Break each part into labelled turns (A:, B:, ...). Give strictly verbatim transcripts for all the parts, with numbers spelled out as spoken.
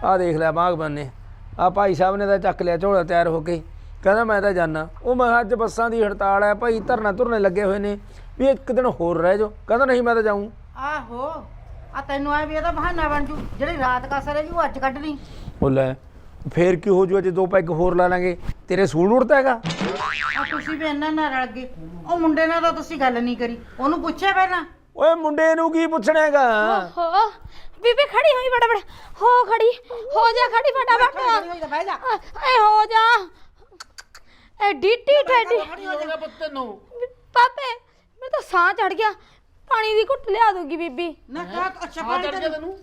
A: ਆ ਦੇਖ ਲਿਆ ਬਾਗਬਾਨ ਨੇ ਆ ਭਾਈ ਸਾਹਿਬ ਨੇ ਤਾਂ ਚੱਕ ਲਿਆ ਝੋਲਾ ਤਿਆਰ ਹੋ ਕੇ ਕਹਿੰਦਾ ਮੈਂ ਤਾਂ ਜਾਣਾ ਉਹ ਮੈਂ ਅੱਜ ਬੱਸਾਂ ਦੀ ਹੜਤਾਲ ਹੈ ਭਾਈ ਧਰਨਾ ਧੁਰਨੇ ਲੱਗੇ ਹੋਏ ਨੇ ਵੀ ਇੱਕ ਦਿਨ ਹੋਰ ਰਹਿ ਜਾਓ ਕਹਿੰਦਾ ਨਹੀਂ ਮੈਂ ਤਾਂ ਜਾਊਂ
B: ਆਹੋ ਆ ਤੈਨੂੰ ਆ ਵੀ ਇਹਦਾ ਬਹਾਨਾ ਬਣ ਜੂ ਜਿਹੜੀ ਰਾਤ ਕਸਰ ਹੈ ਜੀ ਉਹ ਅੱਜ ਕੱਢ ਲਈ
A: ਉਹ ਲੈ ਫੇਰ ਕੀ ਹੋ ਜੂ ਅਜੇ ਦੋ ਪੈਗ ਹੋਰ ਲਾ ਲਾਂਗੇ ਤੇਰੇ ਸੂਲ ਉੜਦਾ ਹੈਗਾ
B: ਆ ਤੁਸੀਂ ਵੀ ਇਹਨਾਂ ਨਾਲ ਰਲ ਗਏ ਉਹ ਮੁੰਡੇ ਨਾਲ ਤਾਂ ਤੁਸੀਂ ਗੱਲ ਨਹੀਂ ਕਰੀ ਉਹਨੂੰ ਪੁੱਛਿਆ ਪਹਿਲਾਂ
A: ਓਏ ਮੁੰਡੇ ਨੂੰ ਕੀ ਪੁੱਛਣਾ ਹੈਗਾ
C: ਹੋ ਬੀਬੀ ਖੜੀ ਹੋਈ ਬੜਾ ਬੜਾ ਹੋ ਖੜੀ ਹੋ ਜਾ ਖੜੀ ਫਟਾਫਟ
B: ਬਹਿ ਜਾ
C: ਏ ਹੋ ਜਾ ਏ ਡੀਟੀ ਠੱਡੀ ਪਾਪੇ ਮੇਰੇ ਤਾਂ ਸਾਹ ਚੜ ਗਿਆ ਪਾਣੀ ਦੀ ਘੁੱਟ ਲਿਆ ਦੋਗੀ ਬੀਬੀ
B: ਨਾ ਕਾ ਅੱਛਾ ਪਾਣੀ ਤੈਨੂੰ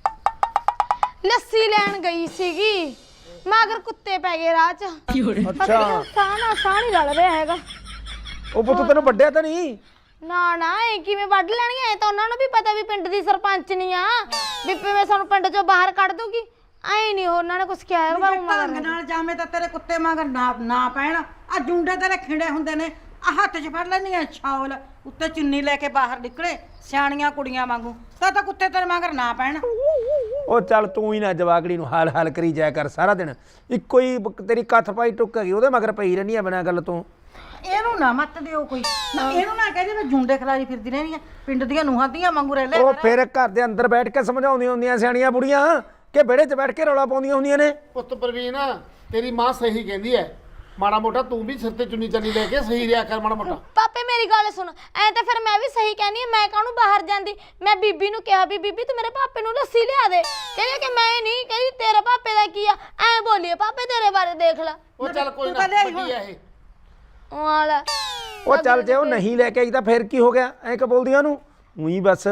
C: ਲੱਸੀ ਲੈਣ ਗਈ ਸੀਗੀ ਮਗਰ ਕੁੱਤੇ ਪੈ ਗਏ ਰਾਹ 'ਚ
A: ਅੱਛਾ
C: ਸਾਹ ਨਾਲ ਸਾਹ ਨਹੀਂ ਰਲ ਰਿਹਾ ਹੈਗਾ
A: ਉਹ ਪੁੱਤ ਤੈਨੂੰ ਵੱਡਿਆ ਤਾਂ ਨਹੀਂ
C: ਨਾ ਨਾ ਇਹ ਕਿਵੇਂ ਵੱਢ ਲੈਣਗੇ ਇਹ ਤਾਂ ਉਹਨਾਂ ਨੂੰ ਵੀ ਪਤਾ ਵੀ ਪਿੰਡ ਦੀ ਸਰਪੰਚ ਨਹੀਂ ਆ ਵੀ ਮੈਂ ਸਾਨੂੰ ਪਿੰਡ ਚੋਂ ਬਾਹਰ ਕੱਢ ਦੂਗੀ ਐ ਨਹੀਂ ਉਹਨਾਂ ਨੇ ਕੁਝ ਕਿਹਾ ਹੈਗਾ
B: ਢੰਗ ਨਾਲ ਜਾਵੇਂ ਤਾਂ ਤੇਰੇ ਕੁੱਤੇ ਮਗਰ ਨਾ ਨਾ ਪੈਣ ਆ ਜੁੰਡੇ ਤੇਰੇ ਖਿੰਡੇ ਹੁੰਦੇ ਨੇ ਆ ਹੱਥ 'ਚ ਫੜ ਲੈਣੀਆਂ ਛਾਵਲ ਉੱਤੇ ਚੁੰਨੀ ਲੈ ਕੇ ਬਾਹਰ ਨਿਕਲੇ ਸਿਆਣੀਆਂ ਕੁੜੀਆਂ ਵਾਂਗੂ ਤਾਂ ਤਾਂ ਕੁੱਤੇ ਤੇਰੇ ਮਗਰ ਨਾ ਪੈਣ
A: ਉਹ ਚੱਲ ਤੂੰ ਹੀ ਨਾ ਜਵਾਕੜੀ ਨੂੰ ਹਾਲ ਹਾਲ ਕਰੀ ਜਾਇਆ ਕਰ ਸਾਰਾ ਦਿਨ ਇੱਕੋ ਹੀ ਤੇਰੀ ਕੱਥ ਪਾਈ ਟੁੱਕ ਗਈ ਉਹਦੇ ਮਗਰ ਪਈ ਰਹਿੰਦੀ ਆ ਬਿਨਾਂ ਗੱਲ ਤੋਂ
B: ਇਹਨੂੰ ਨਾ ਮੱਤ ਦਿਓ ਕੋਈ ਇਹਨੂੰ ਨਾ ਕਹਦੇ ਮੈਂ ਜੁੰਡੇ ਖਲਾਰੀ ਫਿਰਦੀ ਰਹਿਣੀ ਆ ਪਿੰਡ ਦੀਆਂ ਨੂੰਹਾਂ ਦੀਆਂ ਵਾਂਗੂ ਰਹਿ ਲੈ
A: ਉਹ ਫਿਰ ਘਰ ਦੇ ਅੰਦਰ ਬੈਠ ਕੇ ਸਮਝਾਉਂਦੀਆਂ ਹੁੰਦੀਆਂ ਸਿਆਣੀਆਂ ਬੁੜੀਆਂ ਕਿ ਵਿਹੜੇ 'ਚ ਬੈਠ ਕੇ ਰੌਲਾ ਪਾਉਂਦੀਆਂ ਹੁੰਦੀਆਂ ਨੇ
D: ਪੁੱਤ ਪ੍ਰਵੀਨ ਤੇਰੀ ਮਾਂ ਸਹੀ ਕਹਿੰਦੀ ਐ ਮਾੜਾ ਮੋਟਾ ਤੂੰ ਵੀ ਸਿਰ ਤੇ ਚੁੰਨੀ ਚਾਨੀ ਲੈ ਕੇ ਸਹੀ ਰਿਹਾ ਕਰ ਮਾੜਾ ਮੋਟਾ
C: ਪਾਪੇ ਮੇਰੀ ਗੱਲ ਸੁਣ ਐ ਤਾਂ ਫਿਰ ਮੈਂ ਵੀ ਸਹੀ ਕਹਿੰਦੀ ਆ ਮੈਂ ਕਾਹਨੂੰ ਬਾਹਰ ਜਾਂਦੀ ਮੈਂ ਬੀਬੀ ਨੂੰ ਕਿਹਾ ਵੀ ਬੀਬੀ ਤੂੰ ਮੇਰੇ ਪਾਪੇ ਨੂੰ ਲੱਸੀ ਲਿਆ ਦੇ ਕਹਿੰਦੀ ਕਿ ਮੈਂ ਨਹੀਂ ਕਹਿੰਦੀ ਤੇਰੇ ਪਾਪੇ ਦਾ ਕੀ ਆ ਐ ਬੋਲੀਏ ਪਾਪੇ ਤੇਰੇ ਬਾਰੇ ਦੇਖ ਲੈ
D: ਉਹ ਚੱਲ ਕੋਈ ਨਾ ਵੱਡੀ ਐ ਇਹ
C: ਵਾਲਾ
A: ਉਹ ਚੱਲ ਜੇ ਉਹ ਨਹੀਂ ਲੈ ਕੇ ਆਈ ਤਾਂ ਫਿਰ ਕੀ ਹੋ ਗਿਆ ਐਂ ਕਿ ਬੋਲਦੀਆਂ ਉਹਨੂੰ ਉਹੀ ਬਸ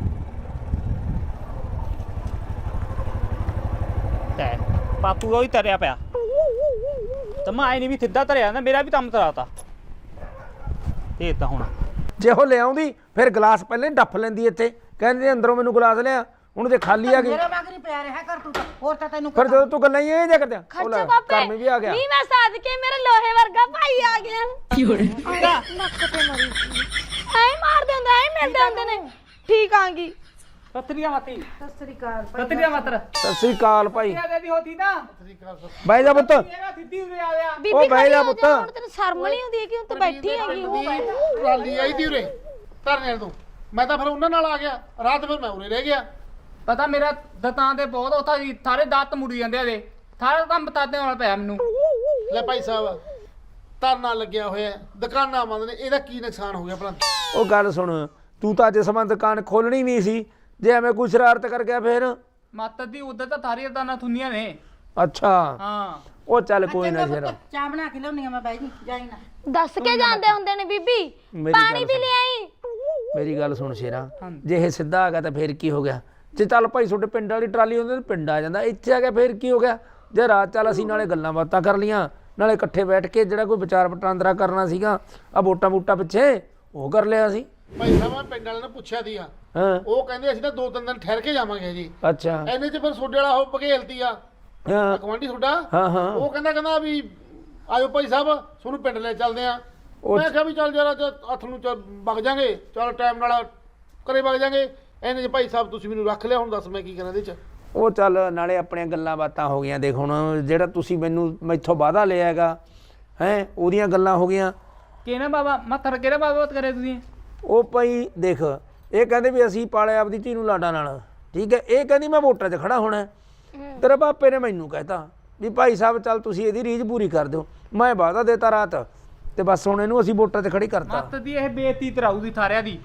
E: ਤੈ ਬਾਪੂ ਉਹ ਹੀ ਤਰਿਆ ਪਿਆ ਤਮਾ ਆਈ ਨਹੀਂ ਵੀ ਸਿੱਧਾ ਤਰਿਆ ਨਾ ਮੇਰਾ ਵੀ ਕੰਮ ਤਰਾਤਾ ਇਹ ਤਾਂ ਹੁਣ
A: ਜੇ ਉਹ ਲਿਆਉਂਦੀ ਫਿਰ ਗਲਾਸ ਪਹਿਲਾਂ ਹੀ ਡੱਫ ਲੈਂਦੀ ਇੱਥੇ ਕਹਿੰਦੇ ਅੰਦਰੋਂ ਮੈਨੂੰ ਗਲਾਸ ਲਿਆ ਹੁਣ ਜੇ ਖਾਲੀ ਆ ਗਈ
B: ਮੇਰੇ ਮਗਰ ਹੀ ਪਿਆ ਰਿਹਾ ਕਰ ਤੂੰ ਤਾਂ ਹੋਰ ਤਾਂ ਤੈਨੂੰ
A: ਫਿਰ ਜਦੋਂ ਤੂੰ ਗੱਲਾਂ ਹੀ ਇਹ ਜਿਹਾ ਕਰਦਿਆ
C: ਖਰਚਾ ਪਾਪੇ
A: ਵੀ ਆ ਗਿਆ
C: ਨਹੀਂ ਮੈਂ ਸਾਧ ਕੇ ਮੇਰੇ ਲੋਹੇ ਵਰਗਾ ਭਾਈ ਆ ਗਿਆ ਕੀ ਹੋ ਰਿਹਾ ਨੱਕ ਤੇ ਮਰੀ ਐ ਮਾਰਦੇ ਹੁੰਦੇ ਐ ਮਿਲਦੇ ਹੁੰਦੇ ਨੇ ਠੀਕ ਆਂਗੀ
E: ਸਤਰੀਆ ਮਾਤੀ
B: ਸਤਿ ਸ੍ਰੀ ਅਕਾਲ
E: ਸਤਰੀਆ ਮਾਤਰ
A: ਸਤਿ ਸ੍ਰੀ ਅਕਾਲ ਭਾਈ
E: ਦੀ ਹੋਤੀ ਨਾ
A: ਬਹਿ ਜਾ ਪੁੱਤ
E: ਇਹਦਾ ਸਿੱਧੀ ਉਰੇ ਆ ਗਿਆ
C: ਬੀਬੀ
A: ਬਹਿ ਜਾ
C: ਖੜੀ ਹੋ
A: ਪੁੱਤ।
C: ਹੁਣ ਤੈਨੂੰ ਸ਼ਰਮ ਨਹੀਂ ਆਉਂਦੀ ਕਿ ਹੁਣ ਤੂੰ ਬੈਠੀ ਹੈਗੀ
D: ਟਰਾਲੀ ਆਈ ਦੀ ਉਰੇ ਧਰਨੇ ਤੋਂ ਮੈਂ ਤਾਂ ਫਿਰ ਉਹਨਾਂ ਨਾਲ ਆ ਗਿਆ ਰਾਤ ਫਿਰ ਮੈਂ ਉਰੇ ਰਹਿ ਗਿਆ
E: ਪਤਾ ਮੇਰਾ ਦਤਾਂ ਦੇ ਬਹੁਤ ਉਥਾ ਸਾਰੇ ਦਾਤ ਮੁੜੀ ਜਾਂਦੇ ਆ ਦੇ ਸਾਰਾ ਕੰਮ ਬਤਾਦੇ ਹੋਣਾ ਪਿਆ ਮੈਨੂੰ
D: ਲੈ ਭਾਈ ਸਾਹਿਬ ਧਰਨਾ ਲੱਗਿਆ ਹੋਇਆ ਦੁਕਾਨਾਂ ਬੰਦ ਨੇ ਇਹਦਾ ਕੀ ਨੁਕਸਾਨ ਹੋ ਗਿਆ ਭਲਾ
A: ਉਹ ਗੱਲ ਸੁਣ ਤੂੰ ਤਾਂ ਅੱਜ ਸਮਾਂ ਦੁਕਾਨ ਖੋਲਣੀ ਨਹੀਂ ਸੀ ਜੇ ਐਵੇਂ ਕੋਈ ਸ਼ਰਾਰਤ ਕਰ ਗਿਆ ਫਿਰ
E: ਮੱਤ ਦੀ ਉਧਰ ਤਾਂ ਥਾਰੀ ਦਾਣਾ ਥੁੰਨੀਆਂ ਨੇ
A: ਅੱਛਾ
E: ਹਾਂ
A: ਉਹ ਚੱਲ ਕੋਈ ਨਾ ਸ਼ੇਰਾ
B: ਚਾਹ ਬਣਾ ਕੇ ਲਿਆਉਣੀ ਆ ਮੈਂ ਬਾਈ ਜੀ ਜਾਈ ਨਾ
C: ਦੱਸ ਕੇ ਜਾਂਦੇ ਹੁੰਦੇ ਨੇ ਬੀਬੀ
A: ਮੇਰੀ
C: ਪਾਣੀ
A: ਗੱਲ
C: ਵੀ ਲਿਆਈ
A: ਮੇਰੀ ਗੱਲ ਸੁਣ ਸ਼ੇਰਾ ਜੇ ਇਹ ਸਿੱਧਾ ਆ ਗਿਆ ਤਾਂ ਫਿਰ ਕੀ ਹੋ ਗਿਆ ਜੇ ਚੱਲ ਭਾਈ ਤੁਹਾਡੇ ਪਿੰਡ ਵਾਲੀ ਟਰਾਲੀ ਹੁੰਦੀ ਤਾਂ ਪਿੰਡ ਆ ਜਾਂਦਾ ਇੱਥੇ ਆ ਗਿਆ ਫਿਰ ਕੀ ਹੋ ਗਿਆ ਜੇ ਰਾਤ ਚੱਲ ਅਸੀਂ ਨਾਲੇ ਗੱਲਾਂ ਬਾਤਾਂ ਕਰ ਲੀਆਂ ਨਾਲੇ ਇਕੱਠੇ ਬੈਠ ਕੇ ਜਿਹੜਾ ਕੋਈ ਵਿਚਾਰ ਵਟਾਂਦਰਾ ਕਰਨਾ ਸੀਗਾ ਆ ਵੋਟਾਂ ਵੋਟਾਂ ਪਿੱਛੇ ਉਹ ਕਰ ਲਿਆ ਸੀ
D: ਭਾਈ ਸਾਹਿਬ ਮੈਂ ਪਿੰਡ ਵਾਲਿਆਂ ਨੂੰ ਪੁੱਛਿਆ ਸੀਗਾ
A: ਹਾਂ
D: ਉਹ ਕਹਿੰਦੇ ਅਸੀਂ ਤਾਂ ਦੋ ਤਿੰਨ ਦਿਨ ਠਹਿਰ ਕੇ ਜਾਵਾਂਗੇ ਜੀ
A: ਅੱਛਾ
D: ਐਨੇ ਚ ਫਿਰ ਸੋਡੇ ਵਾਲਾ ਉਹ ਭਗੇਲਤੀ ਆ
A: ਹਾਂ
D: ਕਮਾਂਡੀ ਤੁਹਾਡਾ
A: ਹਾਂ ਹਾਂ
D: ਉਹ ਕਹਿੰਦਾ ਕਹਿੰਦਾ ਵੀ ਆਇਓ ਭਾਈ ਸਾਹਿਬ ਤੁਹਾਨੂੰ ਪਿੰਡ ਲੈ ਚੱਲਦੇ ਆ
A: ਉਹ
D: ਮੈਂ ਕਿਹਾ ਵੀ ਚੱਲ ਜਰਾ ਹੱਥ ਨੂੰ ਚੱਲ ਵਗ ਜਾਾਂਗੇ ਚਲ ਟਾਈਮ ਨਾਲ ਘਰੇ ਵਗ ਜਾਾਂਗੇ ਐਨੇ ਚ ਭਾਈ ਸਾਹਿਬ ਤੁਸੀਂ ਮੈਨੂੰ ਰੱਖ ਲਿਆ ਹੁਣ ਦੱਸ ਮੈਂ ਕੀ ਕਰਾਂ ਇਹਦੇ ਚ
A: ਉਹ ਚੱਲ ਨਾਲੇ ਆਪਣੀਆਂ ਗੱਲਾਂ ਬਾਤਾਂ ਹੋ ਗਈਆਂ ਦੇਖ ਹੁਣ ਜਿਹੜਾ ਤੁਸੀਂ ਮੈਨੂੰ ਮੈਥੋਂ ਵਾਅਦਾ ਲਿਆ ਹੈਗਾ ਹੈ ਉਹਦੀਆਂ ਗੱਲਾਂ ਹੋ ਗਈਆਂ
E: ਕਿਹੜਾ ਬਾਬਾ ਮੱਥਰ ਕਿਹੜਾ ਬਾਬਾ ਬਾਤ ਕਰੇ ਤੁਸੀਂ
A: ਉਹ ਭਾਈ ਦੇਖ ਇਹ ਕਹਿੰਦੇ ਵੀ ਅਸੀਂ ਪਾਲਿਆ ਆਪਦੀ ਧੀ ਨੂੰ ਲਾਡਾ ਨਾਲ ਠੀਕ ਹੈ ਇਹ ਕਹਿੰਦੀ ਮੈਂ ਵੋਟਾਂ 'ਚ ਖੜਾ ਹੋਣਾ ਤੇਰੇ ਪਾਪੇ ਨੇ ਮੈਨੂੰ ਕਹਿਤਾ ਵੀ ਭਾਈ ਸਾਹਿਬ ਚੱਲ ਤੁਸੀਂ ਇਹਦੀ ਰੀਝ ਪੂਰੀ ਕਰ ਦਿਓ ਮੈਂ ਵਾਅਦਾ ਦੇਤਾ ਰਾਤ ਤੇ ਬਸ ਹੁਣ ਇਹਨੂੰ ਅਸੀਂ ਵੋਟਾਂ 'ਤੇ ਖੜੀ ਕਰਤਾ
E: ਮੱਤ ਦੀ ਇਹ ਬੇਇੱਜ਼ਤੀ ਤਰਾਊ ਦੀ ਥਾਰਿਆਂ ਦੀ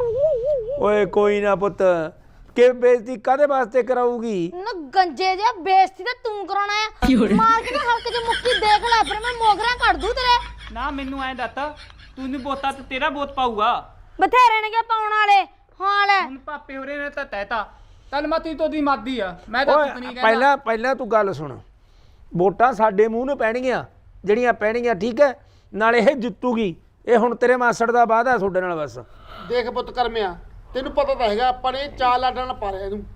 A: ਓਏ ਕੋਈ ਨਾ ਪੁੱਤ ਕਿ ਬੇਇੱਜ਼ਤੀ ਕਾਹਦੇ ਵਾਸਤੇ ਕਰਾਊਗੀ
C: ਨਾ ਗੰਜੇ ਜਿਹਾ ਬੇਇੱਜ਼ਤੀ ਤਾਂ ਤੂੰ ਕਰਾਉਣਾ ਆ ਮਾਰ ਕੇ ਨਾ ਹਲਕ ਚ ਮੁੱਕੀ ਦੇਖ ਲੈ ਫਿਰ ਮੈਂ ਮੋਗਰਾ ਕੱਢ ਦੂੰ ਤੇਰੇ
E: ਨਾ ਮੈਨੂੰ ਐਂ ਦੱਸ ਤੂੰ ਨਹੀਂ ਬੋਤਾ ਤੇ ਤੇਰਾ ਬੋਤ ਪਾਊਗਾ
C: ਬਥੇਰੇ ਨੇ ਪਾਉਣ ਵਾਲੇ ਹਾਂ ਲੈ
E: ਹੁਣ ਪਾਪੇ ਹੋਰੇ ਨੇ ਤਾਂ ਤੈਤਾ ਚੱਲ ਮਾਤੀ ਤੋਂ ਦੀ ਮਾਦੀ ਆ ਮੈਂ ਤਾਂ ਕੁਝ ਨਹੀਂ ਕਹਿੰਦਾ
A: ਪਹਿਲਾਂ ਪਹਿਲਾਂ ਤੂੰ ਗੱਲ ਸੁਣ ਵੋਟਾਂ ਸਾਡੇ ਮੂੰਹ ਨੂੰ ਪੈਣਗੀਆਂ ਜਿਹੜੀਆਂ ਪੈਣਗੀਆਂ ਠੀਕ ਹੈ ਨਾਲੇ ਇਹ ਜਿੱਤੂਗੀ ਇਹ ਹੁਣ ਤੇਰੇ ਮਾਸੜ ਦਾ ਵਾਅਦਾ ਤੁਹਾਡੇ ਨਾਲ ਬਸ
D: ਦੇਖ ਪੁੱਤ ਕਰਮਿਆ ਤੈਨੂੰ ਪਤਾ ਤਾਂ ਹੈਗਾ ਆਪਾਂ ਨੇ ਚਾਰ ਲਾਡਾਂ ਨਾਲ ਪਾਰਿਆ ਇਹਨੂੰ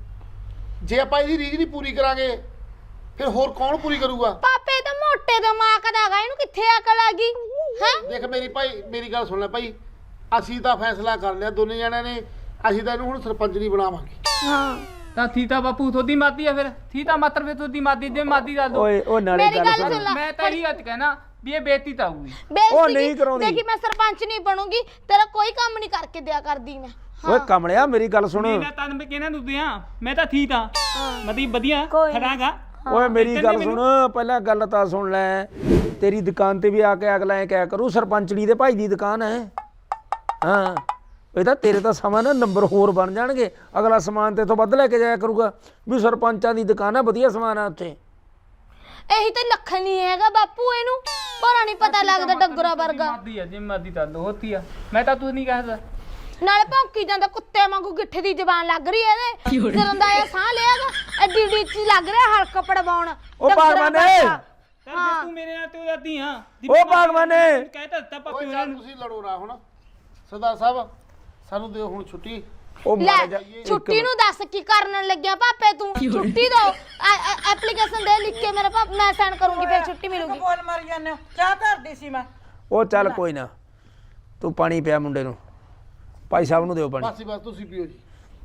D: ਜੇ ਆਪਾਂ ਇਹਦੀ ਰੀਝ ਨਹੀਂ ਪੂਰੀ ਕਰਾਂਗੇ ਫਿਰ ਹੋਰ ਕੌਣ ਪੂਰੀ ਕਰੂਗਾ
C: ਪਾਪੇ ਤਾਂ ਮੋਟੇ ਦਿਮਾਗ ਦਾ ਹੈਗਾ ਇਹਨੂੰ ਕਿੱਥੇ ਅਕਲ ਆ ਗਈ ਹੈ
D: ਦੇਖ ਮੇਰੀ ਭਾਈ ਮੇਰੀ ਗੱਲ ਸੁਣ ਲੈ ਭਾਈ ਅਸੀਂ ਤਾਂ ਫੈਸਲਾ ਕਰ ਲਿਆ ਦੋਨੇ ਜਣਿਆਂ ਨੇ ਅਸੀਂ ਤਾਂ ਇਹਨੂੰ ਹੁਣ ਸਰਪੰਚ ਨਹੀਂ ਬਣਾਵਾਂਗੇ
C: ਹਾਂ
F: ਤਾਂ ਥੀ ਤਾਂ ਬਾਪੂ ਤੁਹਾਡੀ ਮਾਦੀ ਆ ਫਿਰ ਥੀ ਤਾਂ ਮਾਤਰ ਫਿਰ ਤੁਹਾਡੀ ਮਾਦੀ ਜੇ ਮਾਦੀ ਦੱਸ ਦੋ
A: ਓਏ ਉਹ ਨਾਲੇ
C: ਮੇਰੀ
A: ਗੱਲ
C: ਗੱਲ
A: ਸੁਣ
C: ਸੁਣ ਲੈ
F: ਮੈਂ ਤਾਂ ਇਹੀ ਗੱਲ ਕਹਿਣਾ ਵੀ ਇਹ ਬੇਇੱਜ਼ਤੀ ਤਾਂ ਆਊਗੀ
C: ਬੇਇੱਜ਼ਤੀ
A: ਨਹੀਂ
C: ਕੀ?
A: ਕਰਾਉਂਦੀ।
C: ਦੇਖੀ ਮੈਂ ਸਰਪੰਚ ਨਹੀਂ ਬਣੂੰਗੀ ਤੇਰਾ ਕੋਈ ਕੰਮ ਨਹੀਂ ਕਰਕੇ ਦਿਆ ਕਰਦੀ ਮੈਂ
A: ਓਏ ਕਮਲਿਆ ਮੇਰੀ ਗੱਲ ਸੁਣ
E: ਮੈਂ ਤਾਂ ਮੈਂ ਕਿਹਨਾਂ ਨੂੰ ਦਿਆਂ ਮੈਂ ਤਾਂ ਥੀ ਤਾਂ ਮਤਲਬ ਵਧੀਆ
C: ਕੋਈ ਨੀ।
E: ਖੜਾਗਾ
A: ਓਏ ਮੇਰੀ ਗੱਲ ਸੁਣ ਪਹਿਲਾਂ ਗੱਲ ਤਾਂ ਸੁਣ ਲੈ ਤੇਰੀ ਦੁਕਾਨ ਤੇ ਵੀ ਆ ਕੇ ਅਗਲਾ ਐ ਕਿਆ ਕਰੂ ਸਰਪੰਚੜੀ ਦੇ ਭਾਈ ਦੀ ਦੁਕਾਨ ਹੈ ਹਾਂ ਇਹ ਤਾਂ ਤੇਰੇ ਤਾਂ ਸਮਾਂ ਨਾ ਨੰਬਰ ਹੋਰ ਬਣ ਜਾਣਗੇ ਅਗਲਾ ਸਮਾਨ ਤੇ ਤੋਂ ਵੱਧ ਲੈ ਕੇ ਜਾਇਆ ਕਰੂਗਾ ਵੀ ਸਰਪੰਚਾਂ ਦੀ ਦੁਕਾਨ ਹੈ ਵਧੀਆ ਸਮਾਨ ਆ ਉੱਥੇ
C: ਇਹੀ ਤਾਂ ਲੱਖਣ ਨਹੀਂ ਹੈਗਾ ਬਾਪੂ ਇਹਨੂੰ ਪਰ ਨਹੀਂ ਪਤਾ ਲੱਗਦਾ ਡੰਗਰਾ ਵਰਗਾ
F: ਮਾਦੀ ਆ ਜੇ ਮਾਦੀ ਤਾਂ ਹੋਤੀ ਆ ਮੈਂ ਤਾਂ ਤੂੰ ਨਹੀਂ ਕਹਿਦਾ
C: ਨਾਲੇ ਭੌਂਕੀ ਜਾਂਦਾ ਕੁੱਤੇ ਵਾਂਗੂ ਗਿੱਠੇ ਦੀ ਜ਼ਬਾਨ ਲੱਗ ਰਹੀ ਐ ਇਹਦੇ ਸਿਰਾਂ ਦਾ ਇਹ ਸਾਹ ਲਿਆਗਾ ਐਡੀ ਡੀ ਚ ਲੱਗ ਰਿਹਾ ਹਲਕ ਪੜਵਾਉਣ
A: ਉਹ ਭਗਵਾਨੇ
E: ਹਾਂ ਤੂੰ ਮੇਰੇ ਨਾਲ ਤੇ ਦਾਦੀ ਆ
A: ਉਹ ਭਗਵਾਨੇ
E: ਕਹਿ ਤਾਂ ਦਿੱਤਾ
D: ਓਏ
E: ਪਾਪੀ ਉਹਨਾਂ
D: ਚੱਲ
E: ਨੂੰ
D: ਤੁਸੀਂ ਲੜੋ ਨਾ ਹੁਣ ਸਰਦਾਰ ਸਾਹਿਬ ਸਾਨੂੰ ਦਿਓ ਹੁਣ ਛੁੱਟੀ
A: ਉਹ
C: ਲੈ
A: ਮਾਰ ਜਾ
C: ਛੁੱਟੀ ਨੂੰ ਦੱਸ ਕੀ ਕਰਨ ਲੱਗਿਆ ਪਾਪੇ ਤੂੰ ਛੁੱਟੀ ਦੋ ਐਪਲੀਕੇਸ਼ਨ ਦੇ ਲਿਖ ਕੇ ਮੇਰੇ ਪਾਪ ਮੈਂ ਸਾਈਨ ਕਰੂੰਗੀ ਫਿਰ ਛੁੱਟੀ ਮਿਲੂਗੀ
B: ਬੋਲ ਮਾਰੀ ਜਾਂਦੇ ਹੋ ਚਾਹ ਧਰਦੀ ਸੀ ਮੈਂ
A: ਉਹ ਚੱਲ ਕੋਈ ਨਾ ਤੂੰ ਪਾਣੀ ਪਿਆ ਮੁੰਡੇ ਨੂੰ ਭਾਈ ਸਾਹਿਬ ਨੂੰ ਦਿਓ ਪਾਣੀ
D: ਬਸ ਹੀ ਬਸ ਤੁਸੀਂ ਪੀਓ ਜੀ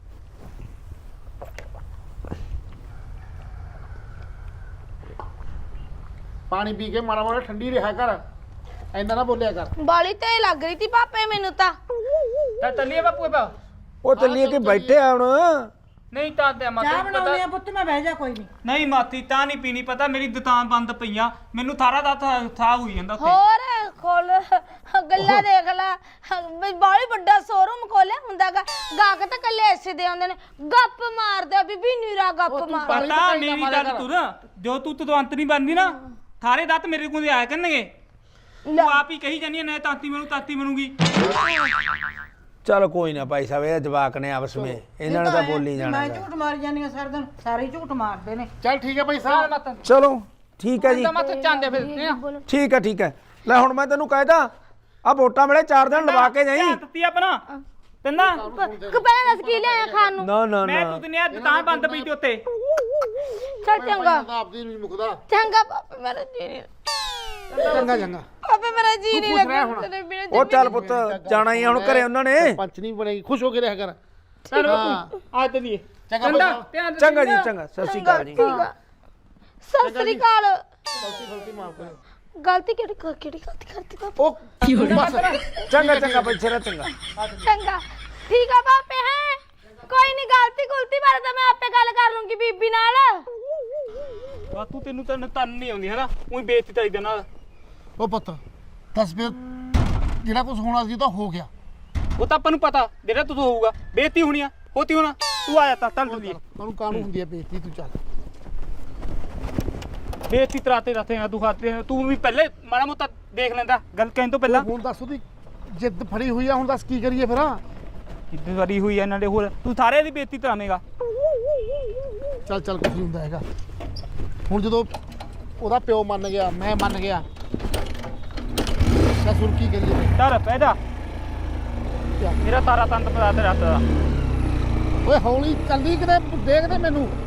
D: ਪਾਣੀ ਪੀ ਕੇ ਮਾੜਾ ਮਾੜਾ ਠੰਡੀ ਰਿਹਾ ਕਰ ਐਂਦਾ ਨਾ ਬੋਲਿਆ ਕਰ
C: ਬਾਲੀ ਤੇ ਲੱਗ ਰਹੀ ਤੀ ਪਾਪੇ ਮੈਨੂੰ ਤਾਂ
F: ਤਾਂ ਚੱਲੀਏ ਬਾਪੂ ਬਾ
A: ਉਹ ਚੱਲੀਏ ਕਿ ਬੈਠੇ ਆ ਹੁਣ
F: ਨਹੀਂ ਤਾਂ ਤੇ ਮਾਤਾ
B: ਚਾਹ
F: ਨੂੰ
B: ਬਣਾਉਣੀ
F: ਪਤਾ
B: ਆ ਪੁੱਤ ਮੈਂ ਬਹਿ ਜਾ ਕੋਈ ਨਹੀਂ
E: ਨਹੀਂ ਮਾਤੀ ਤਾਂ ਨਹੀਂ ਪੀਣੀ ਪਤਾ ਮੇਰੀ ਦੁਕਾਨ ਬੰਦ ਪਈਆਂ ਮੈਨੂੰ ਥਾਰਾ ਦਾ ਥਾ ਹੋਈ ਜਾਂਦਾ ਉੱਥੇ
C: ਹੋਰ ਖੋਲ ਗੱਲਾਂ ਦੇਖ ਲੈ ਬਾਲੀ ਵੱਡਾ ਸ਼ੋਰੂਮ ਖੋਲਿਆ ਹੁੰਦਾਗਾ ਗਾਹਕ ਤਾਂ ਕੱਲੇ ਐਸੇ ਦੇ ਆਉਂਦੇ ਨੇ ਗੱਪ ਮਾਰਦਾ ਬੀਬੀ ਨੀਰਾ ਗੱਪ ਮਾਰ
D: ਪਾਣੀ
E: ਪਤਾ
D: ਤਾਂ
E: ਮੇਰੀ
D: ਮਾਰਿਆ
E: ਗੱਲ
D: ਕਰ।
E: ਤੁਰ ਜੋ ਤੂੰ ਤਦਵੰਤ ਨਹੀਂ ਬਣਦੀ ਨਾ ਥਾਰੇ ਦੱਤ ਮੇਰੇ ਕੋਲ ਆਇਆ ਕਰਨਗੇ ਤੂੰ ਆਪ ਹੀ ਕਹੀ ਜਾਨੀ ਨਾ ਤਾਤੀ ਮੈਨੂੰ ਤਾਤੀ ਬਣੂਗੀ
A: ਚੱਲ ਕੋਈ ਨਾ ਭਾਈ ਸਾਹਿਬ ਇਹ ਜਵਾਕ ਨੇ ਆਪਸ ਵਿੱਚ ਇਹਨਾਂ ਨੇ ਤਾਂ ਬੋਲੀ ਜਾਣਾ
B: ਮੈਂ
A: ਗਾ।
B: ਝੂਠ ਮਾਰੀ ਜਾਂਦੀ ਆ ਸਾਰਾ ਦਿਨ ਸਾਰੇ ਝੂਠ ਮਾਰਦੇ ਨੇ
D: ਚੱਲ ਠੀਕ ਹੈ ਭਾਈ
F: ਚੱਲ
D: ਸਾਹਿਬ
F: ਮਾਤਾ
A: ਚਲੋ ਠੀਕ ਹੈ ਜੀ
F: ਤਾਂ ਮਾਤਾ ਚਾਂਦੇ ਫਿਰ
A: ਠੀਕ ਹੈ ਠੀਕ ਹੈ ਲੈ ਹੁਣ ਮੈਂ ਤੈਨੂੰ ਕਹਿਦਾ ਆ ਵੋਟਾਂ ਵੇਲੇ ਚਾਰ ਦਿਨ ਲਵਾ ਕੇ ਜਾਈ
E: ਤੱਤੀ ਆਪਣਾ ਤੰਨਾ
C: ਕਪੜਾ ਦੱਸ ਕੀ ਲਿਆਇਆ ਖਾਣ ਨੂੰ
A: ਨਾ ਨਾ
E: ਮੈਂ
A: ਨਾ
E: ਤੂੰ ਦੁਨੀਆ ਦੁਕਾਨ ਬੰਦ ਪਈ ਤੇ ਉੱਤੇ
C: ਚੱਲ ਚੰਗਾ
D: ਤਾਂ ਆਪਦੀ ਨਹੀਂ ਮੁਕਦਾ
C: ਚੰਗਾ ਪਾਪੇ ਮੇਰਾ ਜੀ ਨਹੀਂ
D: ਚੰਗਾ ਚੰਗਾ
C: ਪਾਪੇ ਮੇਰਾ ਜੀ ਨਹੀਂ
D: ਖੁਸ਼ ਰਹਿ
C: ਲੱਗਦਾ
D: ਹੁਣ।
C: ਤੇਰੇ ਬਿਨਾਂ
A: ਉਹ ਚੱਲ ਪੁੱਤ ਜਾਣਾ ਹੀ ਆ ਹੁਣ ਘਰੇ ਉਹਨਾਂ ਨੇ
D: ਪੰਚ ਨਹੀਂ ਬਣੇਗੀ ਖੁਸ਼ ਹੋ ਕੇ ਰਿਹਾ ਕਰ
E: ਚੱਲ
D: ਹਾਂ।
E: ਬਾਪੂ ਆ ਤਲੀਏ
D: ਚੰਗਾ ਭਾਈ ਸਾਹਿਬ
F: ਧਿਆਨ
A: ਚੰਗਾ ਜੀ ਚੰਗਾ ਸਤਿ ਸ਼੍ਰੀ ਅਕਾਲ ਜੀ
C: ਠੀਕ ਆ ਸਤਿ ਸ੍ਰੀ ਅਕਾਲ
D: ਗਲਤੀ ਗਲਤੀ ਮਾਫ ਕਰੋ
C: ਗਲਤੀ ਕਿਹੜੀ ਕਰ- ਕਿਹੜੀ ਗਲਤੀ ਕਰਤੀ ਪਾਪਾ
D: ਉਹ ਬਸ
A: ਚੰਗਾ ਚੰਗਾ ਬੈਠੇ ਰਹਿ ਚੰਗਾ
C: ਚੰਗਾ ਠੀਕ ਆ ਪਾਪੇ ਹੈ ਕੋਈ ਨਹੀਂ ਗਲਤੀ ਗੁਲਤੀ ਬਾਰੇ ਤਾਂ ਮੈਂ ਆਪੇ ਗੱਲ ਕਰ ਲੂੰਗੀ ਬੀਬੀ ਨਾਲ
E: ਬਾਪੂ ਤੈਨੂੰ ਤਾਂ ਤਨ ਨਹੀਂ ਆਉਂਦੀ ਹੈ ਨਾ ਉਹੀ ਬੇਇੱਜ਼ਤੀ ਚਾਹੀਦਾ ਨਾਲ
D: ਉਹ ਪੁੱਤ ਦੱਸ ਫਿਰ ਜਿਹੜਾ ਕੁਝ ਹੋਣਾ ਸੀ ਉਹ ਤਾਂ ਹੋ ਗਿਆ
E: ਉਹ ਤਾਂ ਆਪਾਂ ਨੂੰ ਪਤਾ ਜਿਹੜਾ ਤੂੰ ਹੋਊਗਾ ਬੇਇੱਜ਼ਤੀ ਹੋਣੀ ਆ ਹੋਤੀ ਹੋਣਾ ਤੂੰ ਆ ਜਾ ਤਾਂ ਚੱਲ ਤਲੀਏ
D: ਉਹਨੂੰ ਕਾਹਨੂੰ ਹੁੰਦੀ ਹੈ ਬੇਇੱਜ਼ਤੀ ਤੂੰ ਚੱਲ
E: ਬੇਇੱਜ਼ਤੀ ਤਰਾਤੇ ਰੱਖੇਗਾ ਤੂੰ ਖਾਤੇ ਤੂੰ ਵੀ ਪਹਿਲੇ ਮਾੜਾ ਮੋਟਾ ਦੇਖ ਲੈਂਦਾ ਗੱਲ ਕਹਿਣ ਤੋਂ ਪਹਿਲਾਂ
D: ਹੁਣ ਦੱਸ ਉਹਦੀ ਜਿੱਦ ਫੜੀ ਹੋਈ ਆ ਹੁਣ ਦੱਸ ਕੀ ਕਰੀਏ ਫਿਰ
E: ਕਿੱਦਾਂ ਵਾਰੀ ਹੋਈ ਆ ਨਾਲੇ ਹੋਰ ਤੂੰ ਸਾਰੇ ਦੀ ਬੇਇੱਜ਼ਤੀ ਤਰਾਵੇਂਗਾ
D: ਚੱਲ ਚੱਲ ਕੁਝ ਨਹੀਂ ਹੁੰਦਾ ਹੈਗਾ ਹੁਣ ਜਦੋਂ ਉਹਦਾ ਪਿਓ ਮੰਨ ਗਿਆ ਮੈਂ ਮੰਨ ਗਿਆ ਤਾਂ ਸੁਣ ਕੀ ਕਰੀਏ
E: ਚੱਲ ਪੈ ਜਾ ਮੇਰਾ ਤਾਰਾ ਤੰਤ ਪਤਾ ਤੇ ਰੱਤ ਦਾ
D: ਓਏ ਹੌਲੀ ਚੱਲਦੀ ਕਿਤੇ ਦੇਖਦੇ ਮੈਨੂੰ